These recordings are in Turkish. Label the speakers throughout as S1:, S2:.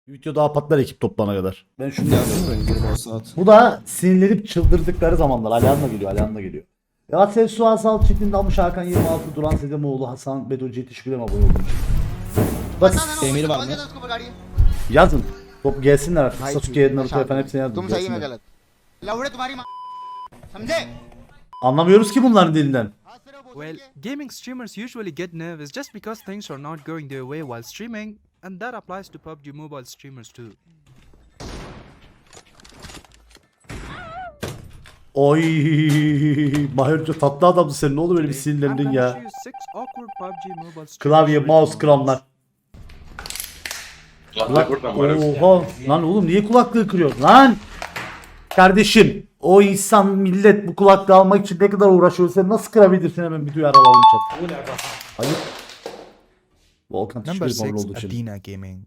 S1: Video daha patlar ekip toplana kadar. Ben şunu yazıyorum.
S2: 20 saat.
S1: Bu da sinirlenip çıldırdıkları zamanlar. Alihan'la geliyor, Alihan'la geliyor. Galatasaray Suha Sal çiftliğinde almış Hakan 26, Duran Sedemoğlu, Hasan Bedocu'ya teşekkür ederim abone olduğum için. Bak
S2: Emir var mı?
S1: yazın. Top gelsinler artık. Sasuke'ye, Naruto'ya falan hepsine yazın.
S3: तुम सही में
S1: Gelsinler.
S3: गलत लवड़े तुम्हारी माँ समझे
S1: Anlamıyoruz ki bunların dilinden.
S4: Well, gaming streamers usually get nervous just because things are not going their way while streaming, and that applies to PUBG Mobile streamers too.
S1: Oy, Mahir'cim tatlı adamsın sen. Ne oldu böyle bir
S4: Today,
S1: sinirlendin
S4: I'm gonna
S1: ya?
S4: show you 6 awkward PUBG Mobile streamers
S1: Klavye,
S4: with
S1: mouse,
S4: moments.
S1: kramlar. Oha lan oğlum niye kulaklığı kırıyorsun lan? Kardeşim o insan millet bu kulaklığı almak için ne kadar uğraşıyor, sen nasıl kırabilirsin, hemen bir duyar alalım chat. Hayır. Volkan
S4: Number
S1: teşekkür ederim
S4: 6,
S1: olduğu için.
S4: Athena Gaming.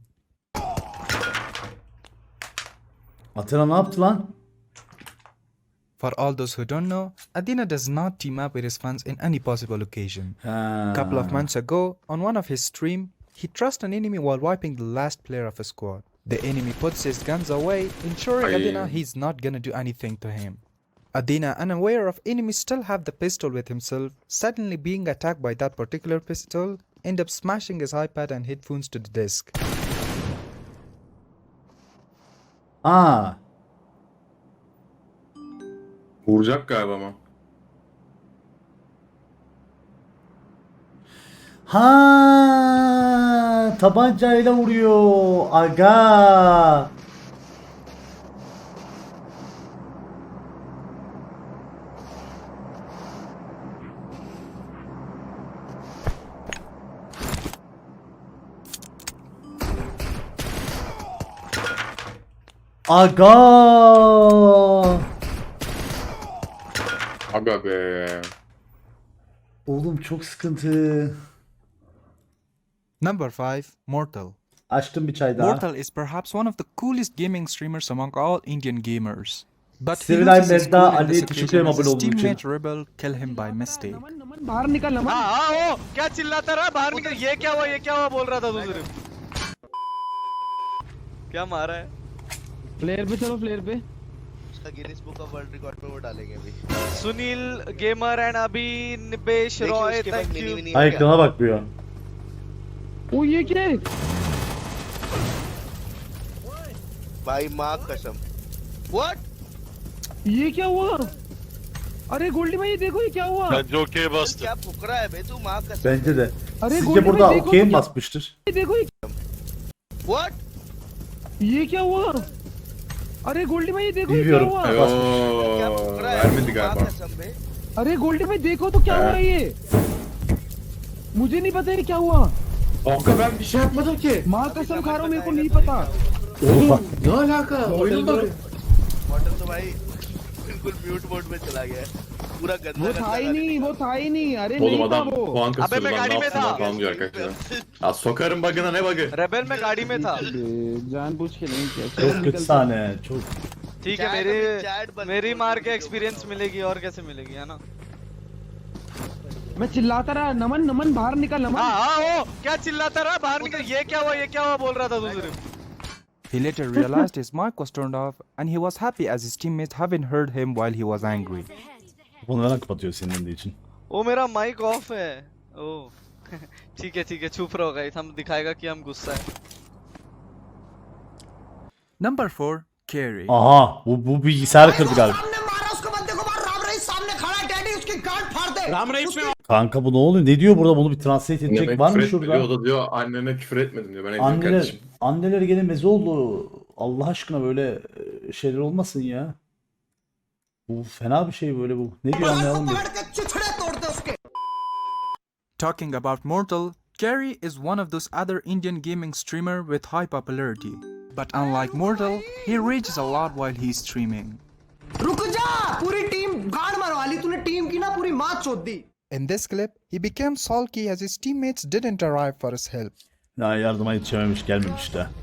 S1: Athena ne yaptı lan?
S4: For all those who don't know, Athena does not team up with his fans in any possible occasion.
S1: Ha.
S4: Couple of months ago, on one of his stream, he trusts an enemy while wiping the last player of his squad. The enemy puts his guns away, ensuring Athena he's not gonna do anything to him. Athena, unaware of enemies still have the pistol with himself, suddenly being attacked by that particular pistol, end up smashing his iPad and headphones to the desk.
S1: Aa.
S5: Vuracak galiba ama.
S1: Ha, tabancayla vuruyor. Aga. Aga.
S5: Aga be.
S1: Oğlum çok sıkıntı.
S4: Number 5, Mortal.
S1: Açtım bir çay daha.
S4: Mortal is perhaps one of the coolest gaming streamers among all Indian gamers. But he
S1: Sevilay
S4: loses his
S1: Medda,
S4: cool in
S1: Ali,
S4: this
S1: teşekkür ederim
S4: occasion as
S1: abone
S4: his
S1: olduğun için.
S4: teammate Rebel kill him by mistake.
S6: बाहर निकल नमन
S7: हाँ ओ क्या चिल्लाता रहा बाहर निकल ये क्या हुआ बोल रहा था तू सिर्फ क्या मारा है
S6: फ्लेयर पे चलो फ्लेयर पे
S3: उसका Guinness book of world record पे वो डालेंगे अभी
S7: सुनील गेमर एंड अभी निपेश
S3: देखिए
S7: रॉय
S3: उसके बाद
S7: thank
S3: Mini
S7: you
S3: Mini
S1: Ay ekrana bakmıyor.
S6: ओ ये क्या है
S3: भाई माँ कसम व्हाट
S6: ये क्या हुआ अरे गोल्डी भाई ये देखो ये क्या हुआ
S3: क्या फुकरा है बे तू माँ कसम
S1: Bence de.
S6: अरे
S1: Sizce
S6: गोल्डी
S1: burada
S6: भाई देखो
S1: okey
S6: तो
S1: mi
S6: क्या-
S1: basmıştır?
S6: ये देखो
S3: व्हाट
S6: ये क्या हुआ अरे गोल्डी भाई ये देखो ये क्या
S1: Bilmiyorum.
S6: हुआ
S3: क्या
S5: Yoo,
S3: फुकरा है
S5: vermedi
S3: तू माँ
S5: galiba.
S3: कसम बे
S6: अरे गोल्डी भाई देखो तो क्या हुआ ये मुझे नहीं पता ये क्या हुआ
S2: Kanka ben bir şey yapmadım ki.
S6: माँ कसम खा रहा हूँ मेरे को नहीं पता
S2: Ne alaka? Oyunun bak.
S3: Model तो भाई बिल्कुल म्यूट मोड में चला गया है पूरा गंदा
S6: वो था ही नहीं वो था ही नहीं अरे
S5: Oğlum
S6: नहीं था
S5: adam
S6: वो
S5: puan
S7: Abi
S5: kasıyor
S7: ben
S5: lan,
S7: गाड़ी
S5: ne
S7: में
S5: yapsın
S7: था।
S5: lan falan diyor arkadaşlar. Ya sokarım bug'ına, ne bug'ı?
S7: Rebel में गाड़ी में था
S6: जानबूझ के नहीं किया
S1: Çok kötü sahne. Çok.
S7: ठीक है
S3: चैट बंद
S7: मेरी
S3: कर
S7: मार
S3: दो।
S7: के एक्सपीरियंस मिलेगी और कैसे मिलेगी है ना
S6: मैं चिल्लाता रहा नमन नमन बाहर निकल नमन
S7: हाँ ओ क्या चिल्लाता रहा बाहर निकल ये क्या हुआ बोल रहा था तू सिर्फ
S4: He later realized his mic was turned off and he was happy as his teammates haven't heard him while he was angry.
S1: Bunu neden kapatıyor sinirlendiği için?
S7: ओ मेरा माइक ऑफ है ओ ठीक है चुप रहो गाइस हम दिखाएगा कि हम गुस्सा है
S4: Number 4, Carrie.
S1: Aha bu bilgisayarı kırdı galiba. Kanka bu ne oluyor? Ne diyor burada? Bunu bir translate edecek
S5: Anneme
S1: var mı
S5: küfür etme diyor,
S1: şurada?
S5: o da diyor annene küfür etmedim diyor. Ben ediyorum
S1: Anneler,
S5: kardeşim.
S1: anneler gene meze oldu. Allah aşkına böyle şeyler olmasın ya. Bu fena bir şey böyle bu. Ne diyor anlayalım bir.
S4: Talking about Mortal, Carrie is one of those other Indian gaming streamer with high popularity. But unlike Mortal, he rages a lot while he's streaming.
S8: रुक जा पूरी टीम गाड़ मरवा ली तूने टीम की ना पूरी मात चोद दी
S4: In this clip, he became sulky as his teammates didn't arrive for his help.
S1: Ya yardıma yetişememiş, gelmemiş de.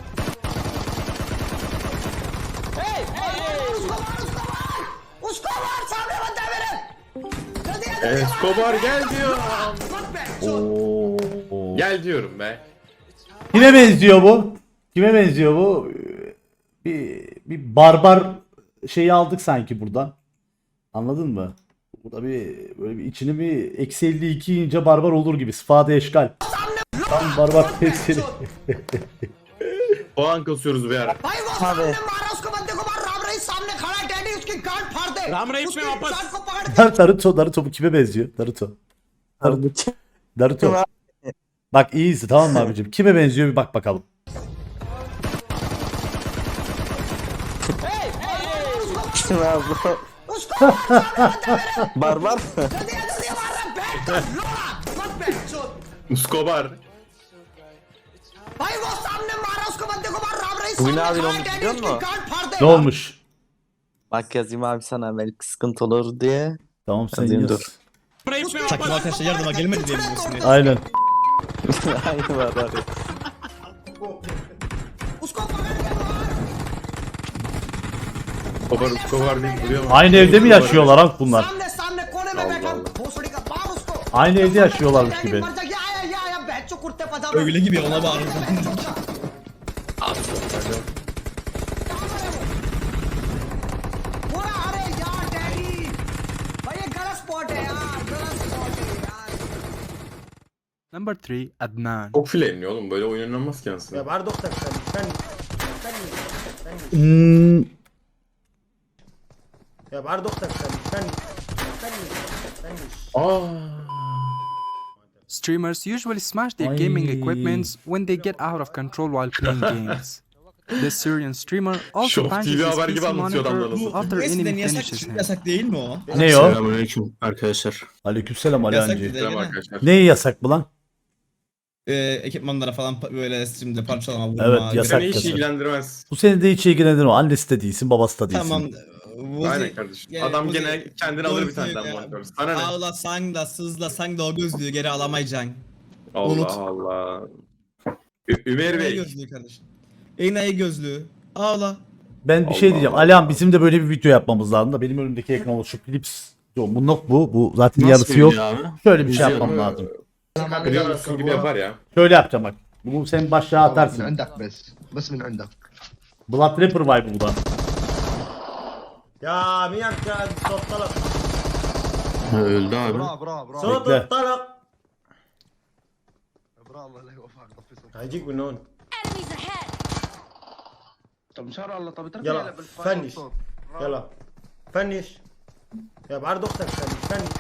S8: उसको मार सामने बंदा है मेरे जल्दी जल्दी
S5: Escobar gel diyor.
S1: Oo.
S5: Gel diyorum be.
S1: Yine benziyor bu. Kime benziyor bu? Bir barbar şeyi aldık sanki buradan. Anladın mı? Bu da böyle bir içini bir eksi 52 ince barbar olur gibi. Sıfade eşkal. Tam barbar tesiri.
S5: Puan kasıyoruz bir ara.
S8: भाई वो सामने मारा उसको बंदे को मार राम रहीस सामने खड़ा है डैडी उसकी गांड फाड़ दे राम रहीस में वापस को पकड़
S1: Naruto bu kime benziyor? Naruto. Bak iyiyiz tamam mı abicim? Kime benziyor bir bak bakalım.
S8: जल्दी जल्दी मार रहा बैठ लोड़ा मत बैठ चोद
S5: Escobar.
S8: भाई वो सामने मारा उसको बंदे को मार राम रहीस
S9: Bugün
S8: सामने
S9: abi
S8: खड़ा
S9: ne
S8: है
S9: olmuş
S8: डैडी
S9: biliyor
S8: उसकी
S9: musun?
S8: गांड फाड़ दे
S1: Ne olmuş?
S9: Bak yazayım abi sana belki sıkıntı olur diye.
S1: Tamam sen
S9: Yazayım,
S1: yaz.
S9: dur.
S8: takım arkadaşlar yardıma gelmedi diye
S1: Aynen.
S9: Aynı var abi.
S8: उसको पकड़ के मार
S5: Escobar değil biliyor musun?
S1: Aynı evde mi yaşıyorlar lan bunlar?
S8: सामने सामने कोने में बैठा भोसड़ी का मार उसको
S1: Aynı evde yaşıyorlarmış
S8: daddy
S1: gibi.
S8: मर जा गया आया बैठ कुर्ते पजामा öyle gibi ona bağırıyor पूरा अरे यार डैडी भाई ये गलत स्पॉट है यार गलत स्पॉट है यार
S4: Number 3, Adnan.
S5: Çok fileyniyor oğlum böyle oyun oynanmaz ki aslında.
S8: बाहर दो तक या बाहर दो तक
S4: Streamers usually smash their
S1: Ay.
S4: gaming equipments when they get out of control while playing games. This Syrian streamer also
S5: Show
S4: punches
S5: TV
S4: his
S5: haber
S4: PC
S5: gibi anlatıyor
S4: monitor
S5: adamlar nasıl.
S4: after enemy finishes him.
S8: yasak değil mi o?
S1: Ne o?
S2: Selamünaleyküm arkadaşlar.
S1: Aleykümselam Ali
S8: Yasak
S1: Hancı.
S8: bir de.
S5: Selam arkadaşlar.
S1: Neyi yasak bu lan?
S8: Ekipmanlara falan böyle şimdi parçalama vurma.
S1: Evet, yasak.
S5: Seni hiç ilgilendirmez.
S1: Bu seni de hiç ilgilendirmiyor. Annesi de değilsin, babası da değilsin.
S8: Tamam.
S5: Aynen kardeşim. Adam gene kendini alır bir tane daha monitör. Sana ne?
S8: Ağlasan da sızlasan da o gözlüğü geri alamayacaksın.
S5: Allah
S8: Unut.
S5: Allah. Ömer
S8: Enayi
S5: Bey.
S8: gözlüğü kardeşim. Enayi gözlüğü. Ağla.
S1: Ben bir şey
S5: Allah
S1: diyeceğim.
S5: Allah.
S1: Alihan bizim de böyle bir video yapmamız lazım da benim önümdeki ekran oluşu Philips. Yok bu not bu. Bu zaten
S2: Nasıl
S1: yarısı yok.
S2: video abi?
S1: Şöyle bir şey
S2: Video
S1: yapmam
S5: mu?
S1: lazım.
S5: Kırıyormuşsun gibi yapar ya.
S1: Şöyle yapacağım bak. Bunu sen başlığa
S10: من
S1: atarsın.
S10: عندك بس من عندك
S1: Blood Rapper vibe bu da.
S8: Ya miyak ya sottalak.
S2: Öldü abi.
S10: برا
S8: Sottalak.
S10: برا الله لا يوفقك طفي صوتك
S8: هيجيك من هون.
S11: Enemies ahead!
S10: طب ان شاء الله طب اترك
S8: يلا فنش يلا فنش يا بعرض اختك فنش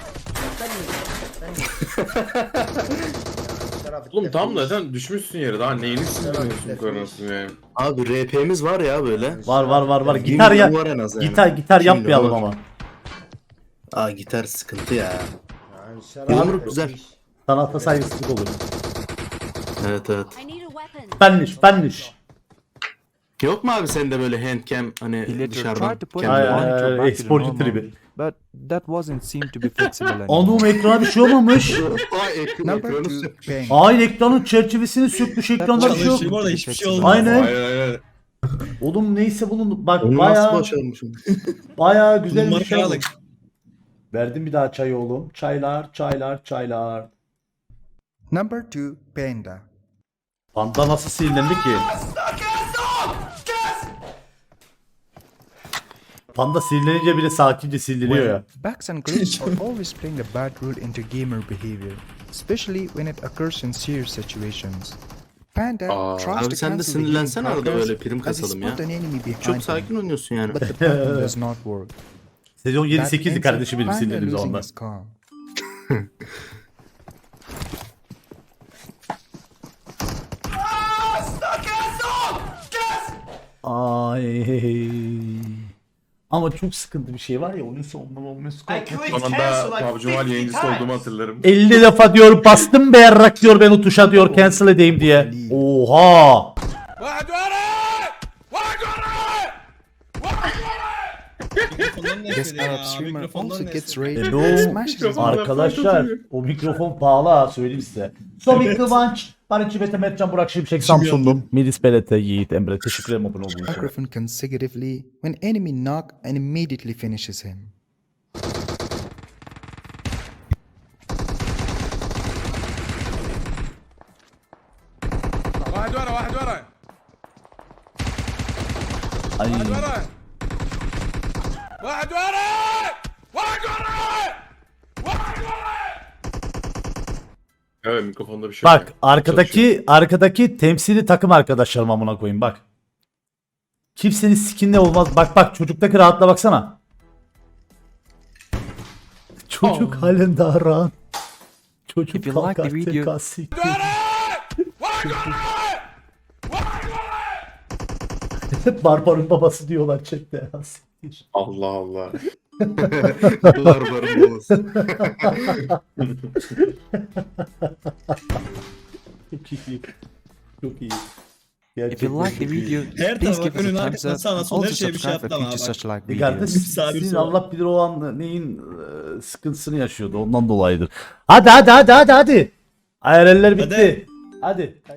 S5: Oğlum tamam da sen düşmüşsün yere daha neyini sinirleniyorsun kararasın yani.
S2: Abi RP'miz var ya böyle.
S1: Var.
S2: Yemin
S1: Gitar ya.
S2: var en az yani.
S1: Gitar
S2: Yemin
S1: yapmayalım
S2: var.
S1: ama.
S2: Aa gitar sıkıntı ya. Yumruk güzel.
S1: Sanata saygısızlık olur.
S2: Evet.
S11: I need a weapon.
S1: Spanish.
S2: Yok mu abi sende böyle handcam
S4: He
S2: hani
S4: later
S2: dışarıdan?
S4: tried to put
S2: kendi-
S4: the monitor back to the
S1: Esporcu
S4: normal,
S1: tribi.
S4: but that wasn't seem to be flexible anymore.
S1: Anadolu ekrana bir şey olmamış.
S2: Aa
S4: Number
S2: ekranı
S4: 2,
S2: sökmüş.
S4: Bang.
S1: Hayır ekranın çerçevesini sökmüş. Ekranda bir şey yok.
S8: Bu arada hiçbir şey olmadı.
S1: Aynen.
S5: Aynen.
S1: Oğlum neyse bunun bak
S2: Onu nasıl
S1: bayağı
S2: başarmışım?
S1: bayağı güzel bir
S8: Numara
S1: şey
S8: kiralık.
S1: olmuş. Verdim bir daha çay oğlum. Çaylar.
S4: Number 2, Panda.
S1: Panda nasıl sinirlendi ki? Panda sinirlenince bile sakince sinirleniyor ya.
S4: Bugs and glitches are always playing a bad role into gamer behavior, especially when it occurs in serious situations. Panda tries
S2: Abi
S4: to
S2: sen de
S4: cancel the
S2: sinirlensene
S4: healing
S2: arada
S4: progress
S2: böyle prim
S4: as he
S2: kasalım ya.
S4: spot an enemy behind
S2: Çok
S4: him,
S2: sakin oynuyorsun yani.
S4: but the plan does not work.
S1: Sezon
S4: That
S1: 7-8'di
S4: ends
S1: kardeşim
S4: with
S1: benim
S4: Panda
S1: sinirlediğim
S4: losing
S1: zamanlar.
S4: his calm.
S1: Ay. Ama çok sıkıntı bir şey var ya onun sonunda olması
S5: Sonunda PUBG Mobile yayıncısı olduğumu hatırlarım.
S1: 50 defa diyor bastım be yarrak diyor ben o tuşa diyor cancel edeyim diye. Oha.
S4: This Arab streamer also gets raided
S1: Ne
S4: and
S1: o?
S4: smashes his
S1: Arkadaşlar o mikrofon pahalı ha söyleyeyim size. Somik Kıvanç, Barış Bete, Mertcan, Burak Şimşek, Samsun'dum. Melis Belete, Yiğit, Emre. Teşekkür ederim abone olduğunuz için.
S4: microphone consecutively when enemy knock and immediately finishes him.
S1: Ay.
S5: Evet mikrofonda bir şey yok.
S1: Bak arkadaki temsili takım arkadaşlarım amına koyayım bak. Kimsenin skinle olmaz. Bak çocuktaki rahatla baksana. Çocuk halen daha rahat. Çocuk
S4: If you like the video-
S1: kalkarken Hep Barbar'ın babası diyorlar chatte ya. Siktir.
S5: Allah Allah.
S2: Barbarın babası.
S1: Çok iyi. Çok iyi.
S4: If you like the video, please give us a thumbs up and also subscribe for future such like
S1: Kardeş
S4: videos.
S1: sizin Allah bilir o an neyin sıkıntısını yaşıyordu ondan dolayıdır. Hadi. IRL'ler bitti. Hadi.